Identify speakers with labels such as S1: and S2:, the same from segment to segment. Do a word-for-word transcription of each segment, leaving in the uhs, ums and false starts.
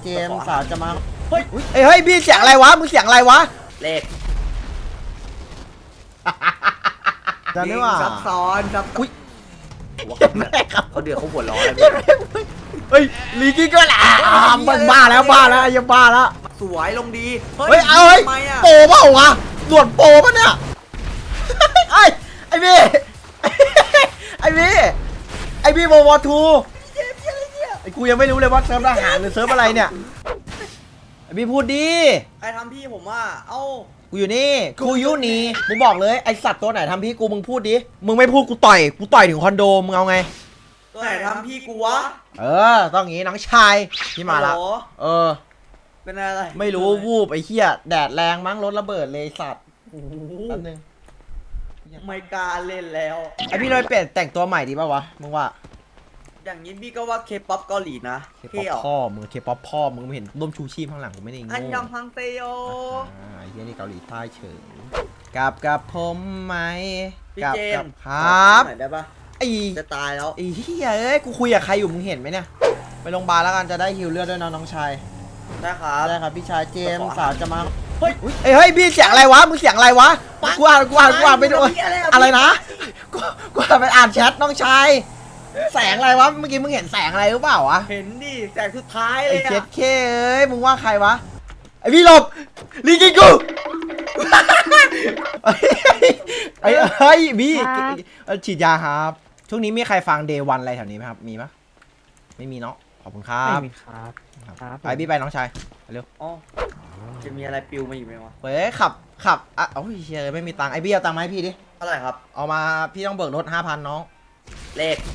S1: เจมส์สาวจะมาเฮ้ยเฮ้ยพี่เสียงอะไรวะมึงเสียงอะไรวะ
S2: เลข
S1: จะนึกว่า
S2: ซับซ้อนซับอุ้ยเขาเดือดเขาหัวร้อนเลย
S1: เฮ้ยลีกี้ก็แหละมันบ้าแล้วบ้าแล้วยังบ้าแล้ว
S2: สวยลงดี
S1: เฮ้ยเอาเฮ้ยโปเปล่าวะส่วนโปป่ะเนี่ยไอ้ไอ้พี่ไอ้พี่ไอ้พี่โววอทูไอ้กูยังไม่รู้เลยว่าเซิร์ฟทหารหรือเซิร์ฟอะไรเนี่ยไอ้พี่พูดดี
S2: ใครทำพี่ผมว่าเอ้า
S1: กูอยู่นี่กูอยู่นี่มึงบอกเลยไอสัตว์ตัวไหนทำพี่กูมึงพูดดิมึงไม่พูดกูต่อยกูต่อยถึงคอนโดมึงเอาไง
S2: ตัวไหนทำพี่กูวะ
S1: เออต้องงี้น้องชายพี่มาละเออ
S2: เป็นอะไร
S1: ไม่รู้วูบไอ้เหี้ยแดดแรงมั้งรถระเบิดเลยสัตว์แป๊บนึง
S2: ไม่กล้าเล่นแล้ว
S1: ไอพี่เลยเปลี่ยนแต่งตัวใหม่ดีป่าวะมึงว่า
S2: อย่างนี้พี่ก็ว่าเคป๊อปเกาหลีนะ
S1: เคป๊อปพ่อมึงเคป๊อปพ่อมึงไม่เห็นร่มชูชีพข้างหลังกูไม่ได้งง
S2: อันยองฮังเซโย
S1: อ่าไอ้เหี้ยนี่เกาหลีใต้เฉยกับกับผมไหม
S2: กับกับ
S1: ครับ
S2: ได้ปะ
S1: ไอ้
S2: จะตายแล้ว
S1: ไอ้เหี้ยเอ้ยกูคุยกับใครอยู่มึงเห็นไหมเนี่ยไปโรงพยาบาลแล้วกันจะได้ฮิวเลือดด้วยนะน้องชาย
S2: ได้ครับ
S1: ได้ครับพี่ชายเจมส์สาวจะมาเฮ้ยเฮ้ยพี่เสียงอะไรวะมึงเสียงอะไรวะกูอ่านกูอ่านกูอ่านไปดูอะไรนะกูกูอ่านไปอ่านแชทน้องชายแสงอะไรวะเมื่อกี้มึงเห็นแสงอะไรหรือเปล่าวะ
S2: เห็นดิแสงสุดท้ายเลย
S1: ไอ้เจ็ดเคเอ้ยมึงว่าใครวะไอพี่หลบลีกิกูไอ้ไอ้พี่ฉีดยาครับช่วงนี้มีใครฟังเดย์วันอะไรแถวนี้ไหมครับมีปะไม่มีเนาะขอบคุณครับ
S3: ไม่มีครับ
S1: ไปพี่ไปน้องชายเร็ว
S2: อ๋อจะมีอะไรปิวมาอยู่ไหมวะ
S1: เฮ้ยขับขับอ่ะโอ้ยเชยไม่มีตังค์ไอ้พี่เอาตังค์มาให้พี่ดิ
S2: เท่าไหร่ครับ
S1: เอามาพี่ต้องเบิกรถห้าพันน้อง
S2: เลข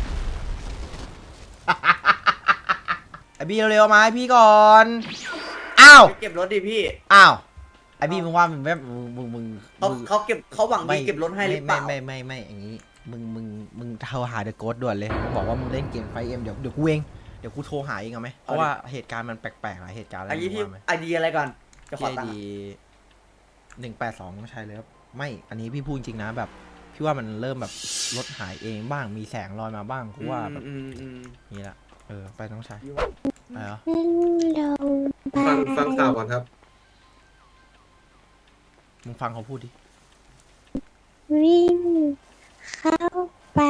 S1: ไอ้พี่เร็วๆมาให้พี่ก่อนอ้าว
S2: เก็บรถดิพี่
S1: อ้าวไอ้พี่มึงว่ามึงแบบมึงมึง
S2: เขาเขาเก็บเขาหวังดีเก็บรถให้หรือเปล่า
S1: ไม่ไม่ไม่อย่างนี้มึงมึงมึงโทรหาเดอะโกสด่วนเลยบอกว่ามึงเล่นเกมไฟเอ็มเดี๋ยวเดี๋ยวกูเองเดี๋ยวกูโทรหาเองเอาไหมเพราะว่าเหตุการณ์มันแปลกๆหลายเหตุการณ์อะไร
S2: ไอ้พี่ไอเดียอะไรก่อนจะขอตังค์
S1: หนึ่งแปดสองใช่เลยครับไม่อันนี้พี่พูดจริงนะแบบพี่ว่ามันเริ่มแบบรถหายเองบ้างมีแสงลอยมาบ้างกูว่าแบบนี่แหละเออไปน้องชายไปเหรอ
S4: ฟังฟังข่าวก่อนครับ
S1: มึงฟังเขาพูดดิ
S5: วิ่งเข้าไป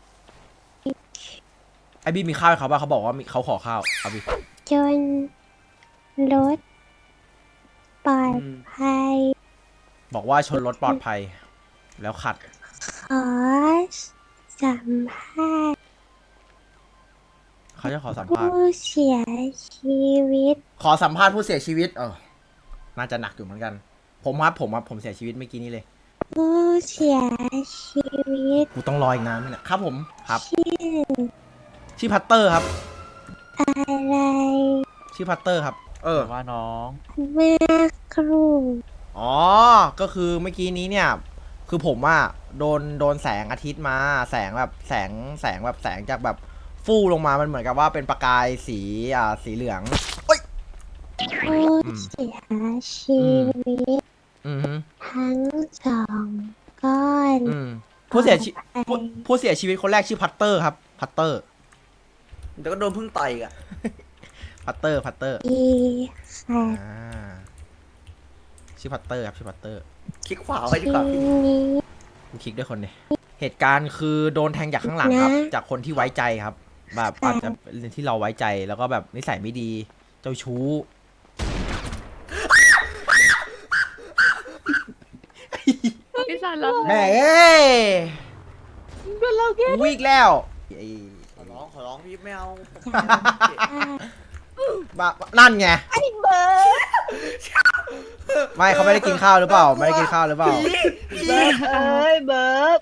S1: ไอ้บี้มีข้าวให้เขาป่ะเขาบอกว่าเขาขอข้าวเอาบี้
S5: จนรถปลอดภัย
S1: บอกว่าชนรถปลอดภัยแล้วขัด
S5: ขอสัมภาษณ์
S1: เขาจะขอสัมภาษณ์
S5: ผู้เสียชีวิต
S1: ขอสัมภาษณ์ผู้เสียชีวิตเออน่าจะหนักอยู่เหมือนกันผมครับผมครับผมเสียชีวิตเมื่อกี้นี้เลย
S5: ผู้เสียชีวิต
S1: กูต้องรออีกนานไหมเนี่ยครับผมครับ
S5: ชื่อ
S1: ชื่อพัตเตอร์ครับ
S5: อะไร
S1: ชื่อพัตเตอร์ครับเออ
S3: ว่าน้อง
S5: แม่ครู
S1: อ๋อก็คือเมื่อกี้นี้เนี่ยคือผมอะโดนโดนแสงอาทิตย์มาแสงแบบแสงแสงแบบแสงจากแบบฟูลงมามันเหมือนกับว่าเป็นประกายสีอ่าสีเหลืองเอ้ย
S5: ผู้เสียชีวิตทั้งสองก้อน
S1: ผู้เสียชีผู้ผู้เสียชีวิตคนแรกชื่อพัตเตอร์ครับพัตเตอร์
S2: แต่ก็โดนพึ่งต่อยอ่ะ
S1: พัตเตอร์พัตเตอร์
S5: อีค่ะ
S1: ชื่อพัตเตอร์ครับชื่อพัตเตอร์
S2: คลิกขวาไว้ดีกว่าพี่
S1: กูคลิกด้วยคนเนี่ยเหตุการณ์คือโดนแทงจากข้างหลังครับจากคนที่ไว้ใจครับแบบอาจจะเป็นที่เราไว้ใจแล้วก็แบบนิสัยไม่ดีเจ้าชู้
S3: พี่สันแล้ว
S1: แม่เอ้ยวิ่งแล้ว
S2: ขอร้องขอร้องพี่ไม่เอา
S1: บ้านั่นไง
S5: ไอ้เบิร์ด
S1: ไม่เขาไม่ได้กินข้าวหรือเปล่าไม่ได้กินข้าวหรือเปล่า
S3: เบิร์ดเอ้ยเบิร์ด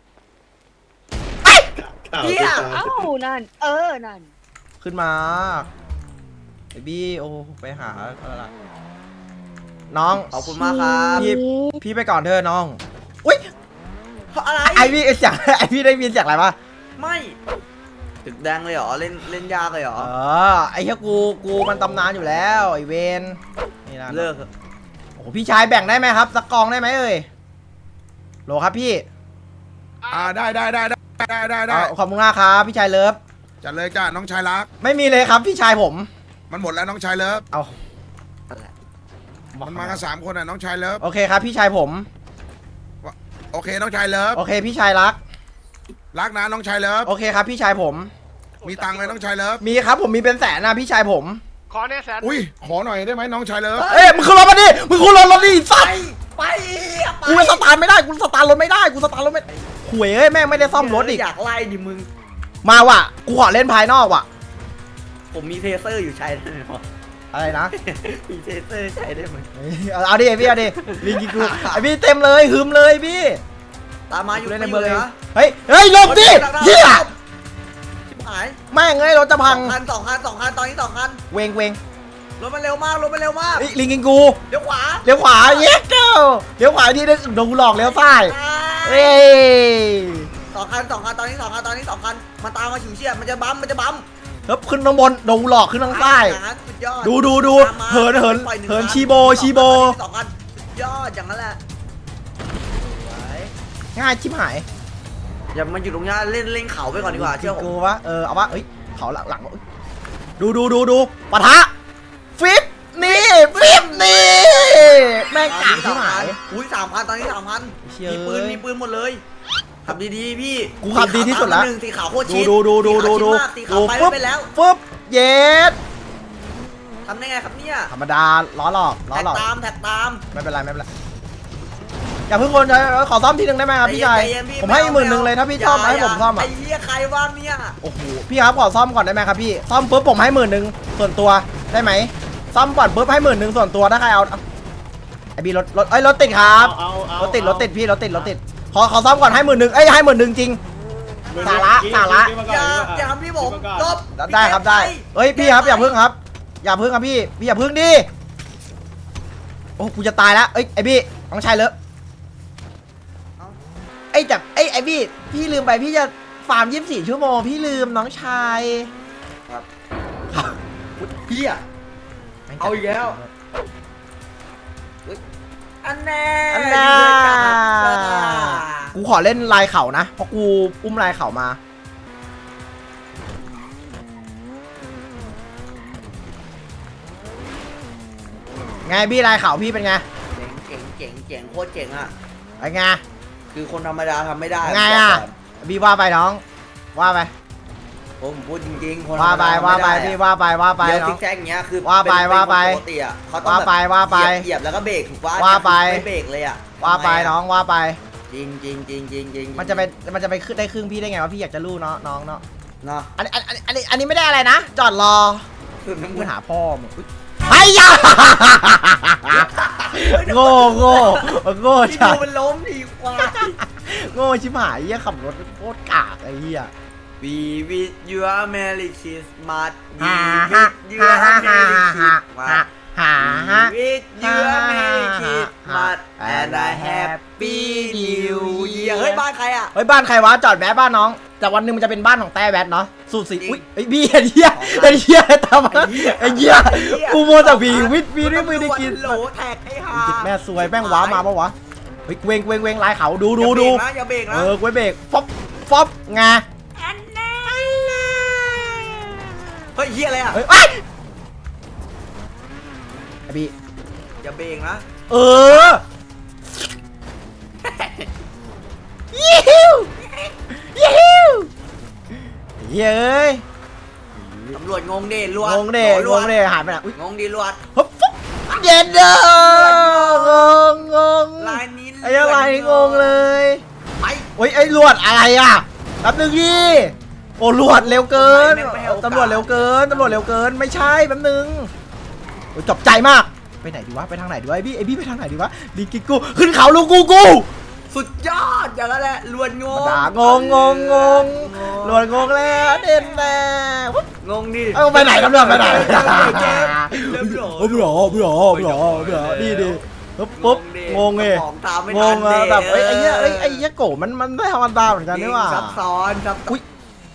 S2: เฮีย
S3: เอ้านั่นเออนั่น
S1: ขึ้นมาไอ้บี้โอ้ไปหาอะไรล่ะน้อง
S2: ขอบคุณมากครับ
S1: พี่พี่ไปก่อนเถอะน้องอุ้ย
S2: อะไร
S1: ไอพี่เสียงไอพี่ได้ยินเสียงอะไรปะ
S2: ไม่ตึกแดงเลยเหรอเล่นเล่นยากเลยเหรอ
S1: เออไอ้เหี้ยกูกูมันตำนานอยู่แล้วไอเวนนี่นะ
S2: เลิก
S1: โอ้พี่ชายแบ่งได้ไหมครับสักกองได้ไหมเอ่ยโหลครับพี่
S4: อ่าได้ได้ได้ได้ได้ได้
S1: ขอบคุณมากครับพี่ชายเลิฟ
S4: จัดเลยจ้าน้องชายรัก
S1: ไม่มีเลยครับพี่ชายผม
S4: มันหมดแล้วน้องชายเลิฟ
S1: เอา
S4: มันมากันสามคนอ่ะน้องชายเลิฟ
S1: โอเคครับพี่ชายผม
S4: โอเคน้องชายเลิฟ
S1: โอเคพี่ชายรัก
S4: รักนะน้องชายเลิฟ
S1: โอเคครับพี่ชายผม
S4: มีตังค์ไหมน้องชายเลิฟ
S1: มีครับผมมีเป็นแสนนะพี่ชายผม
S2: ขอเนี่ยแสน
S4: อุ้ยขอหน่อยได้ไหมน้องชายเลิฟ
S1: เอ้ยมึงขึ้นรถมาดิมึงขึ้นรถรถดิสัตว์
S6: ไป
S1: กูสตาร์ทไม่ได้กูสตาร์ทรถไม่ได้กูสตาร์ทรถไม่หวยเอ้ยแม่งไม่ได้ซ่อมรถอีก
S6: อยากไล่ดิมึง
S1: มาว่ะกูขอเล่นภายนอกว่ะ
S6: ผมมีเทเซอร์อยู่ใช้ได้ไหมวะ
S1: อะไรนะ
S6: มีเทเซอร์ใช้ได้ไหม
S1: เอาเอาดิพี่เอาดิลิงกิกูไอพี่เต็มเลยหืมเลยพี่
S6: ตามมาอยู่
S1: เล่นใน
S6: ไม่อ
S1: เมือยู่ ง
S6: เล
S1: เอย ง
S6: นะ
S1: เฮ้ยเฮ้ยหลบดิเฮีย
S6: ชิบหาย
S1: แม่งเอ้ยรถจะ
S6: ส
S1: พั
S6: อง งคันสองคันสองคันตอนนี้สองคัน
S1: เวงเวง
S6: รถมันเร็วมากรถมันเร็วมาก
S1: เฮ้ยลิงกิกู
S6: เดี๋ยวขวา
S1: เลี้ยวขวาเย้เก้าเลี้ยวขวาดีนึงโดนกูหลอกเลี้ยวซ้ายเอ้ย
S6: สองคันสองคันตอนนี้สองคันตอนนี้สองคันมันตามมาฉิวเฉียดมันจะบัมมันจะบัม
S1: แล้วขึ้นข้างบนโดนกูหลอกขึ้นทางซ้าย
S6: อย่างนั้นสุดยอด
S1: ดูดูดู
S6: ตามมา
S1: เหินเหิน
S6: ปล่อยง
S1: เหิน
S6: คั
S1: ชีโบชีโบ
S6: สองคันสุดยอดอย่างนั้นแหละ
S1: ง่ายชิบหาย
S6: อย่ามันอยู่ตรงนี้เล่นเล่นเขาไปก่อนดีกว่าเชื่อผม
S1: กูวะเออเอาวะเอ้ยเขาหลังหลังดูดูดูดูปะทะฟิปนี่ฟิปนี่แม่งกากชิบหาย
S6: อุ้ยสามพันตอนนี้สามพัน
S1: เชี่ย
S6: มีปืน
S1: เอ้ย
S6: มีปืนหมดเลยขับดีๆพี่
S1: กูขับดีที่สุดละ
S6: หนึ่งสีขาวโคตร
S1: ดู
S6: ชิด
S1: ดูดูดูดูดู
S6: สี
S1: ดู
S6: ขาวไป
S1: ปุ๊บ
S6: ไปแล้ว
S1: ปุ๊บเย็ด
S6: ทำได้ไงครับเนี่ย
S1: ธรรมดาล้อหลอกล้อ
S6: แท็ก
S1: หลอก
S6: ตามแท็กตาม
S1: ไม่เป็นไรไม่เป็นไรอย่าเพิ่งคนขอซ่อมทีหนึ่งได้ไหมครับพี่ชาย
S6: ใจเย็นพี่
S1: ผมให้หมื่นหนึ่งเลยถ้าพี่ชอบ
S6: ย่
S1: ให้ผมซ่อม
S6: ไอ้
S1: อ่ะ
S6: เหี้ยใครว่างเนี่ย
S1: โอ้โหพี่ครับขอซ่อมก่อนได้ไหมครับพี่ซ่อมปุ๊บผมให้หมื่นหนึ่งส่วนตัวได้ไหมซ่อมก่อนปุ๊บให้หมื่นหนึ่งส่วนตัวถ้าใครเอาไอบีรถรถไอ้ยรถติดครับรถติดรถติดพี่รถติดรถติดขอขอซ่อมก่อนให้หมื่นหนึ่งเอ้ยให้หมื่นหนึ่งจริงสาระสาระ
S6: อย่าอย่าทำพี่ผมจบ
S1: ได้ครับได้เอ้ยพี่ครับอย่าพึ่งครับ อย่าพึ่งครับพี่พี่อย่าพึ่งดิโอ้กูจะตายแล้วเอ้ยไอพี่น้องชายเลอะไอ้จับไอ้ไอพี่พี่ลืมไปพี่จะฟาร์มยี่สิบสี่ชั่วโมงพี่ลืมน้องชาย
S6: เหี้ย เอาอีกแล้ว อันแน่
S1: อันน่า
S6: อยู่ด้วยกันจ้า
S1: กูขอเล่นลายเขานะเพราะกูอุ้มลายเขามาไงพี่ลายเขาพี่เป็นไง
S6: เจ๋งเจ๋งเจ๋งเจ๋งโคตรเจ๋งอ่ะ
S1: ไอ้ไง
S6: คือคนธรรมดาทำไม่ได้
S1: ไงอ่ะพี่ว่าไปน้องว่าไป
S6: ผมพูดจริงๆคน
S1: ว่าไปว่าไปพี่ว่าไปว่าไป
S6: เดี๋ยว
S1: น้
S6: ซิ
S1: อง
S6: กแซกอย่างเงี้ยคือ
S1: ว่าไป
S6: เป็น
S1: ว่าไป
S6: เป็นคนปกติอ่ะเขาต้อง
S1: ว่า
S6: แบบ
S1: ไปว่าไป
S6: เหยียบแล้วก็เบรกถูกป่ะ
S1: ว่าไป
S6: ไม่เบรกเลยอ่ะ
S1: ว่าไป
S6: ทำไมะ
S1: น้องว่าไป
S6: จริงจริงจริงจริงจริง
S1: มันจะไปมันจะไปขึ้นได้ครึ่งพี่ได้ไงวะพี่อยากจะรู้เนาะน้องเนาะ
S6: เนาะ
S1: อันอันอันอันนี้อันนี้ไม่ได้อะไรนะจอดรอ
S6: คือน้ำ
S1: มึ
S6: มั
S1: ง
S6: น
S1: หาพ่อมึงอุ๊ยไอ้ยาโง่โง่โง่
S6: ที่
S1: จั
S6: ดู
S1: ด
S6: มันล้มดีกว่า
S1: โง่ชิบหายเหี้ยขับรถโคตรกากไอ้เหี้ย
S6: We wish you a Merry Christmas We
S1: ฮ่า
S6: wish you
S1: ฮ่า
S6: a
S1: ฮ่าฮ่า
S6: Merry
S1: ฮ่า
S6: Christmas
S1: ฮ่าฮ่า
S6: We wish you a Merry Christmas and a Happy New Year เฮ้ยบ้านใครอ่ะ
S1: เฮ้ยบ้านใครวะจอดแวะบ้านน้องแต่วันหนึงมันจะเป็นบ้านของแต้แวดเนาะสูตรสี
S6: จริง
S1: อุ้ยไอ้พี่ไอ้เหี้ยไอ้เหี้ยทำไมไอ้เหี้ยกูโมแต่วีวิทวีนี่ไม่ได้กิน
S6: โหลแท็กให้หา
S1: จิตแม่ซวยแม่งว้ามาปะวะเฮ้ยเวงเวงเวงลายเขาดูดูดู
S6: อย่าเบรกนะ
S1: เอ
S6: อย่าเบรกนะ
S1: อกูเบรกฟอบฟอบไง
S6: เฮ้ยเฮียอะไรอ่ะ
S1: เฮ้ยไอ้ยไอ้พี่
S6: อย่าเบรกนะ
S1: เออยิวยิวเย้ย
S6: ตำรวจงงดิลวด
S1: งงเด้
S6: ล
S1: ง
S6: วด
S1: งเด้หายไปไหนอุ้ย
S6: งงดิลวด
S1: ฮึบฟุ๊บเย็นเด้องงงง
S6: ลายนี้
S1: ไอ้อะไรงงเลย
S6: ไป
S1: โอ้ยไอ้ลวดอะไรอ่ะแป๊บนึงดิโอ้ลวดเร็วเกินตำรวจเร็วเกินตำรวจเร็วเกินไม่ใช่แป๊บนึงโอ้ยจบใจมากไปไหนดีวะไปทางไหนดีวะไอ้พี่ไอ้พี่ไปทางไหนดีวะลิงกิกูขึ้นเขาลูกกูกู
S6: สุดยอดอย่างนั้นแหละลวดงง
S1: ด่างงงงงงลวดงงแล้วเด่นแน่วุ๊บ
S6: งงดิ
S1: เอาไปไหนตำรวจไปไหน
S6: เกมเริ่มหลอ
S1: โอ้ยหรอหรอหรอหรอดีดีปุ๊บปุ๊บงงไง
S6: ของตามไม่
S1: ง
S6: ทั
S1: ง
S6: น
S1: อะ
S6: ดิ
S1: แบบเอ้ยไอ้เหี้ยเอ้ยไอ้เหี้ยโกมันมันไม่ธรรมดาเหมือนกันนี่หว่า
S6: ซับซ้อนซับ
S1: อุ๊ย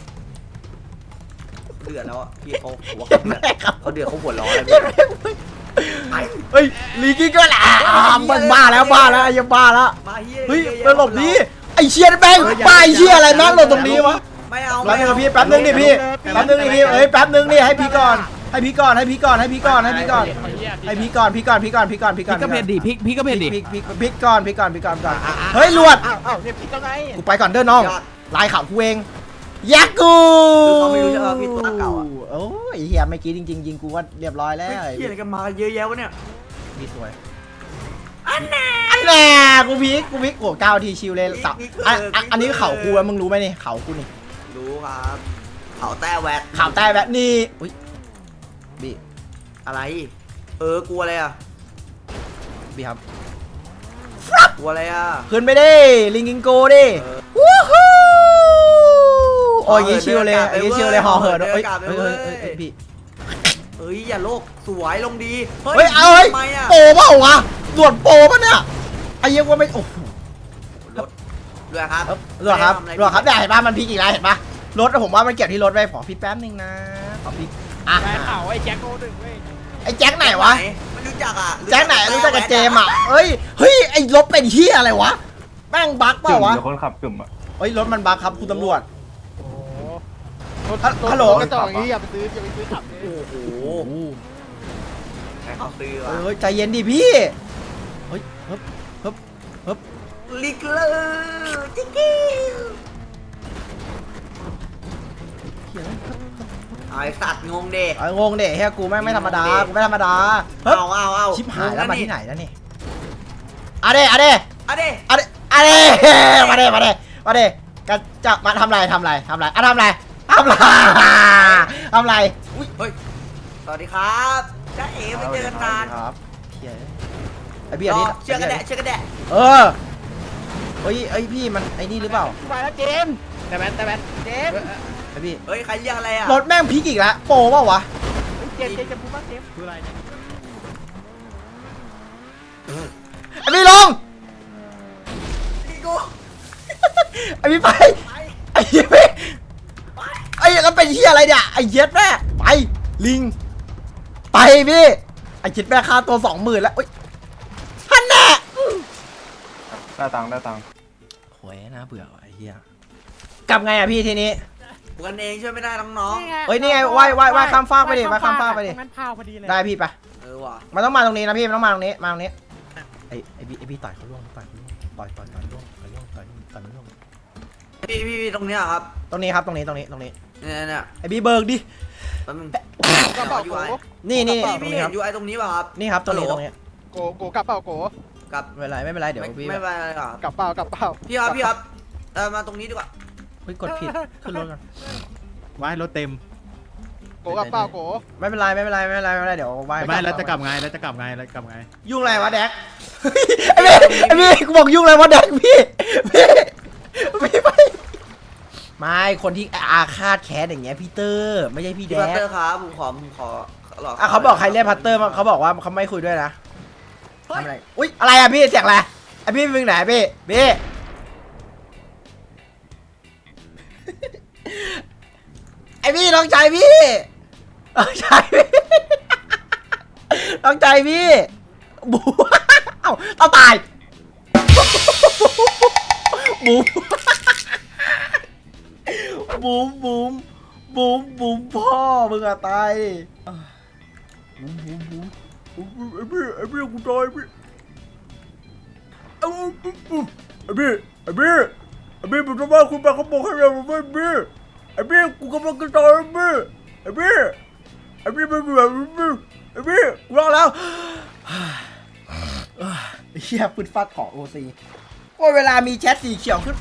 S6: เดือดแล้วอ่ะพี่เขาหัว
S1: เจ็บแม่ครับ
S6: เขาเดือดเขาหัวร้อนเลย
S1: เฮ้ยลีกี้ก็แหละมันบ้าแล้วบ้าแล้วไอ้ยังบ้าแล้ว
S6: มาเฮีย
S1: เฮ้ยไปหลบดิไอ้เชียแบงป้าไอ้เชียอะไรแม่งหลบตรงนี้วะ
S6: ไม่เอา
S1: แป๊บนึงพี่แป๊บนึงดิพี่แป๊บนึงดิพี่เอ้ยแป๊บนึงดิให้พี่ก่อนให้พี่ก่อนให้พี่ก่อนให้พี่ก่อนให้พี่ก่อนให้พี่ก่อนพี่ก่อนพี่ก่อนพี่ก่อนพี่ก่อน
S2: พี่ก็เผ็ดดิพี่พี่ก็เผ็ดดิ
S1: พี่พี่พี่ก่อนพี่ก่อนพี่ก่อนก่อนเฮ้ยลวด
S2: อ้าวอ้าวเนี่ยพี่ก็ไง
S1: กูไปก่อนเด้อน้องลายข่าวกูเองยักกู
S6: คือเขาไม่รู้จะเอาพี่ตัวเก่าอ่ะ
S1: โอ้ยเฮียเมื่อกี้จริงๆยิงกูว่าเรียบร้อยแล้ว
S6: เฮ้ยเฮียอะไรกันมาเยอะแยะวะเนี่ย
S1: พี่สวยอันแน่อันแน่กูพิกกูพิกโอ้เก้าทีชิวเลยสับอันอันอันนี้เข่ากูอะมึงรู้ไหมนี่เข่ากูนี่
S6: รู้ครับเขาแต้แวด
S1: ข่าวใต้แบบนี้อุ้ยบี
S6: อะไรเออกลัวอะไรอ่ะ
S1: บีครับ
S6: กลัวอะไรอ่ะ
S1: ขึ้นไปดิลิงกิงโกดิ
S6: เออ
S1: วู้ฮู้โอ้ยอยางงี้ชิวเลยอยางงี้ชิวเลยห่อเหินเอ้ยเอ้ยเอ้ยเอ้ยเอ้ยพี่
S6: เอ้ยอย่าโลกสวยลงดี
S1: เฮ้ยเอาเฮ้ย
S6: ทำไมอ่ะ
S1: โปเปล่าวะตรวจโปป่ะเนี่ยไอ้เหี้ยังว่าไม่โอ้โห
S6: รถด้วยครับ
S1: เอ้ยรวดครับรวดครับได้เห็นป่ะมันพลิกอีกแล้วเห็นป่ะรถผมว่ามันเกี่ยวที่รถไว้ขอพี่แป๊บนึงนะขอพี่อ่ะ
S2: ได้ข่าวไอ้แจ็คโก้ดึงเว้ย
S1: ไอ้แจ็คไหนวะ
S6: ไม่รู้จักอ่ะ
S1: แจ็คไหนรู้จักกับเจมส์อ่ะเฮ้ยเฮ้ยไอ้รถเป็นเหี้ยอะไรวะแม่งบั๊กเปล่าวะ
S7: เดี๋ยวคนขับกลุ่มอ่ะ
S1: เฮ้ยรถมันบั๊กครับคุณตำรวจ
S2: โอ้โห
S1: ฮัลโหล
S2: กระจอกอย่างนี้อย่าไปซื้ออย่าไปซื้อขับเลย
S6: โอ้โหใครเขาซื้อ
S1: เฮ้
S6: วะ
S1: ยเฮ้ยใจเย็นดิพี่เฮ้ยฮึบฮึบฮึบ
S6: ลิกเลอร์จิ๊กกี้
S1: เหี้ย
S6: ไอ้สัตว์งงเด็
S1: ไอ้งงเด็เฮียกูแม่งไม่ธรรมดากูไม่ธรรมดาเฮ้ย
S6: เอาเอาเอา
S1: ชิบหายแล้วมาที่ไหนแล้วนี่อะเด้อะเด้
S6: อะเด้
S1: อะเด้อะเด้มาเด้มาเด้มาเด้กันจะมาทำอะไรทำอะไรทำอะไรอะทำอะไรทำอะไรทำอะไรอุ้ย
S6: เฮ้ยสวัสดีครับจ้าเอ๋ไม่เจอกันนาน
S1: ครับเฮียไอ้พี่อันนี้
S6: เชื่อกันแดะเชื่อกันแดะ
S1: เออเฮ้ยไอ้พี่มันไอ้นี่หรือเปล่า
S2: มาแล้วเจมส์แต่แบนแต่แบนเจมส์
S1: ไอ้พี่
S6: เฮ้ยใครเรียกอะไรอ่ะ
S1: รถแม่งพลิกอีกแล้วโปรเปล่าวะ
S2: เจมส์เจมส์จะพูดว่าเจมส์คืออะไรเนี่ย
S1: ไอ้พี่ลง
S6: พี่กู
S1: ไอ้พี่ไปไอ้เหี้ยพี่ไอ้แล้วเป็นเหี้ยอะไรเนี่ยไอ้เหี้ยแม่ไปลิงไปพี่ไอ้เหี้ยแม่ค่าตัวสองหมื่นแล้วอุ้ยฮันแน่
S7: ได้ตังค์ได้ตังค์
S1: โหยน่าเบื่อว่ะไอ้เหี้ยกลับไงอะพี่ทีนี้
S6: ปกันเองช่วยไม่ได้น้อง
S1: เฮ้ยนี่ไงว่ายว่ายว่ายข้ามฟากไปดิว่ายข้ามฟากไปดิ
S2: มันพาวพอดีเลย
S1: ได้พี่ไป
S6: ๆเออว่ะ
S1: มันต้องมาตรงนี้นะพี่มันต้องมาตรงนี้มาตรงนี้ไอ้ไอ้พี่ไอ้พี่ต่อยเขาล่วงต่อยเขาล่วงต่อยต่อยต่อยล่วงต่อยล่วงต่อยต่อยล่วง
S6: พี่พี่พี่ตรงเนี้ยครับ
S1: ตรงนี้ครับตรงนี้ตรงนี้ตรงนี้
S6: เนี่ยเนี่ย
S1: ไอ้พี่เบิร์กดิ
S6: แป๊บนึง
S2: กระเป๋า
S6: ยู
S2: โก
S6: ไอ
S1: นี่นี่
S6: พี่
S1: ตรง
S6: พี่
S1: นี้
S6: เห็
S1: ครับ
S6: นยูไอตรงนี้ป่ะครับ
S1: นี่ครับตรงนี้ตรงนี้
S2: โกโกกระเป๋าโก
S6: กับ
S1: ไม่เป็นไรไม่เป็นไรเดี๋ยว
S6: ไม่
S1: พี่
S6: ไม่เป็นไรหรอก
S2: กระเป๋ากระเป๋า
S6: พี่ครับพี่ครับเออมาตรงนี้ดีกว่า
S1: เฮ้ยกดผิดขึ้นรถก่อน
S8: ว่ายรถเต็ม
S2: โกกระเป๋าโก
S1: ไม่เป็นไรไม่เป็นไรไม่เป็นไรไม่เป็นไรเดี๋ยวว่าย
S8: ไม่แล้วจะกลับไงแล้วจะกลับไงแล้วกลับไง
S1: ยุ่งอะไรวะแดกไอ้พี่ไอ้พี่กูบอกยุ่งอะไรวะแดกพี่พี่พี่ไปไม่คนที่อาฆาตแค้นอย่างเงี้ยพี่เตอร์ไม่ใช่พี่แด
S6: พี่พัต
S1: ก
S6: เตอร์ครับผมขอผมขอหลอก
S1: อ่ะเขาบอกใครเรียกพัตเตอร์เขาบอกว่าเขาไม่คุยด้วยนะทำอะไรอุ้ยอะไรอ่ะพี่เสียงอะไรไอ้พี่มึงไหนพี่พี่ไอ้พี่น้องใจพี่น้องใจพี่น้องใจพี่บูเอ้าต้องตายบูบูมบูมบูมบูมพ่อมึงอะตายบูมบูมบูมบูมไอ้พี่ไอ้พี่กูตายพี่ไอ้พี่ไอ้พี่ไอ้พี่ไอ้พี่ผมจะว่าคุณไปเขาบอกให้เราไม่พี่ไอ้พี่กูกำลังจะตายพี่ไอ้พี่ไอ้พี่ไม่เหมือนพี่ไอ้พี่กูรอดแล้วเฮียปืนฟาดของโอซีว่าเวลามีแชทสีเขียวขึ้น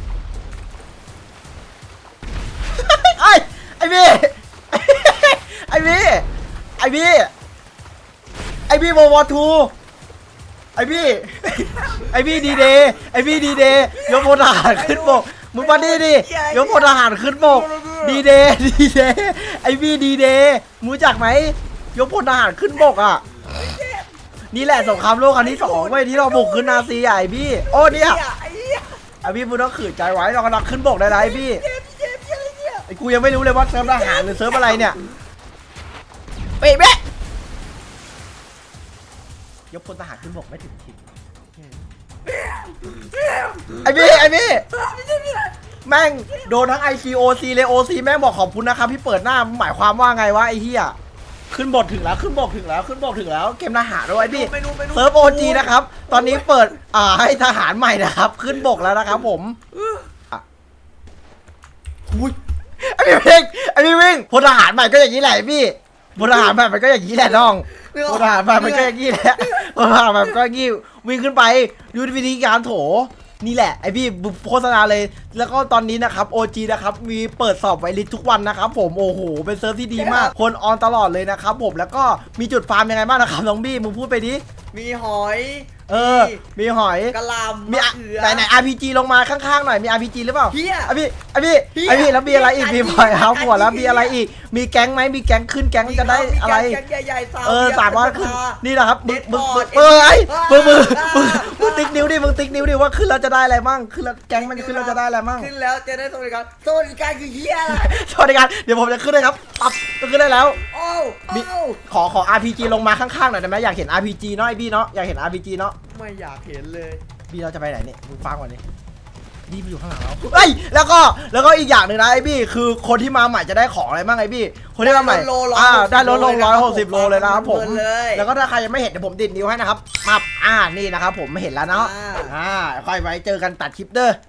S1: ไอ้ไอ้พี่ไอ้พี่ไอ้พี่ไอ้พี่วอวอทูไอ้พี่ไอ้พี่ดีเดย์ไอ้พี่ดีเดย์ยกพลทหารขึ้นบกมึงมาดิดิยกพลทหารขึ้นบกดีเดย์ดีเดย์ไอ้พี่ดีเดย์รู้จักไหมยกพลทหารขึ้นบกอ่ะนี่แหละสงครามโลกครั้งที่สองเว้ยที่เราบุกขึ้นนาซีใหญ่พี่โอ้เนี่ย
S6: ไอ้เหี้ย
S1: ไอ้พี่มึงต้องขืนใจไว้เรากำลังขึ้นบกได้ไรพี่ไอ้กูยังไม่รู้เลยว่าเซิร์ฟทหารหรือเซิร์ฟอะไรเนี่ยเป๊ะเป๊ะยกพลทหารขึ้นบกไม่ถึงทีไอ้พี่ไอ้พี่แม่งโดนทั้ง ไอ ซี โอ ซี เลย โอ ซี แม่งบอกขอบคุณนะครับพี่เปิดหน้าหมายความว่าไงวะไอ้เหี้ยขึ้นบทถึงแล้วขึ้นบกถึงแล้วขึ้นบกถึงแล้วเกมทหารด้วยพี่
S6: ไปนู่นไปนู่น
S1: เซิร์ฟโอจีนะครับตอนนี้เปิดอ่าให้ทหารใหม่นะครับขึ้นบกแล้วนะครับผมอ่ะอุ้ยไอ้พี่วิ่งไอ้พี่วิ่งพลทหารใหม่ก็อย่างนี้แหละพี่พลทหารใหม่มันก็อย่างนี้แหละน้องพลทหารใหม่มันก็อย่างนี้แหละพลทหารใหม่มันก็อย่างนี้วิ่งขึ้นไปดูวิธีการโถนี่แหละไอพี่โฆษณาเลยแล้วก็ตอนนี้นะครับ โอ จี นะครับมีเปิดสอบไวลิสทุกวันนะครับผมโอ้โหเป็นเซิร์ฟที่ดีมากคนออนตลอดเลยนะครับผมแล้วก็มีจุดฟาร์มยังไงบ้างนะครับน้องบี้มึงพูดไปดิ
S6: มีหอย
S1: เออมีหอย
S6: กะหล่ำ
S1: มี
S6: มะ
S1: อะ
S6: เขือ
S1: ไหนไหน อาร์ พี จี ลงมาข้างๆหน่อยมี อาร์ พี จี หรือเปล่า
S6: เฮีย
S1: ไอพี่ไอพี่
S6: เหี้ย
S1: ไอพี่แล้วมีอะไรอีก
S6: เหี้
S1: มี
S6: ย
S1: พลอยเฮาหัวแล้ว
S6: เหี้
S1: มี
S6: ย
S1: อะไรอีกมีแก๊งไหมมีแก๊งขึ้นแก๊งจะได้อะไร
S6: มีแกงใหญ่ๆสาว
S1: เออ
S6: บียร์
S1: สามารถขึ้น
S6: สภา
S1: นี่นะครับมึงมึงมึง
S6: Deadboard
S1: เออไอ้มึงมึง
S6: อ่า
S1: มึงมึง
S6: อ่า
S1: ติ๊กนิ้วดิมึงติ๊กนิ้วดิว่าขึ้นแล้วจะได้อะไรมั่งขึ้นแล้วแก๊งมันขึ้นแล้วจะได้อะไรมั่ง
S6: ขึ้นแล้วจะได้สวัสดิการสวัสดิการคือเฮียอะไร
S1: สวัสดีครับเดี๋ยวผมจะขึ้นเลยครับปั๊บจะขึ้นได้แล้ว
S6: โอ้
S1: มี
S6: โอ้
S1: ขอขอ อาร์ พี จี ลงมาข้างๆหน่อยได้ไหมอยากเห็น อาร์ พี จี เนาะไอบี้เนาะอยากเห็น อาร์ พี จี เนาะ
S6: ไม่อยากเห็นเลย
S1: บี้เราจะไปไหนเนี่ยมึงฟังก่อนดิบี้ไปอยู่ข้างหลังเราเฮ้ยแล้วก็แล้วก็อีกอย่างหนึ่งนะไอ้บี้คือคนที่มาใหม่จะได้ของอะไรบ้างไอ้บี้คนที่มาใหม่
S6: ได้ลดโล
S1: อ่าได้ลดลง
S6: โล
S1: ร้อย
S6: เลยนะ
S1: หกสิบโลเลยนะครับผม
S6: เพลินเลย
S1: แล้วก็ถ้าใครยังไม่เห็นเดี๋ยวผมดิดนิ้วให้นะครับมับอ่านี่นะครับผมไม่เห็นแล้วเนาะ
S6: อ่า
S1: อ่าค่อยไว้เจอกันตัดคลิปเด้อ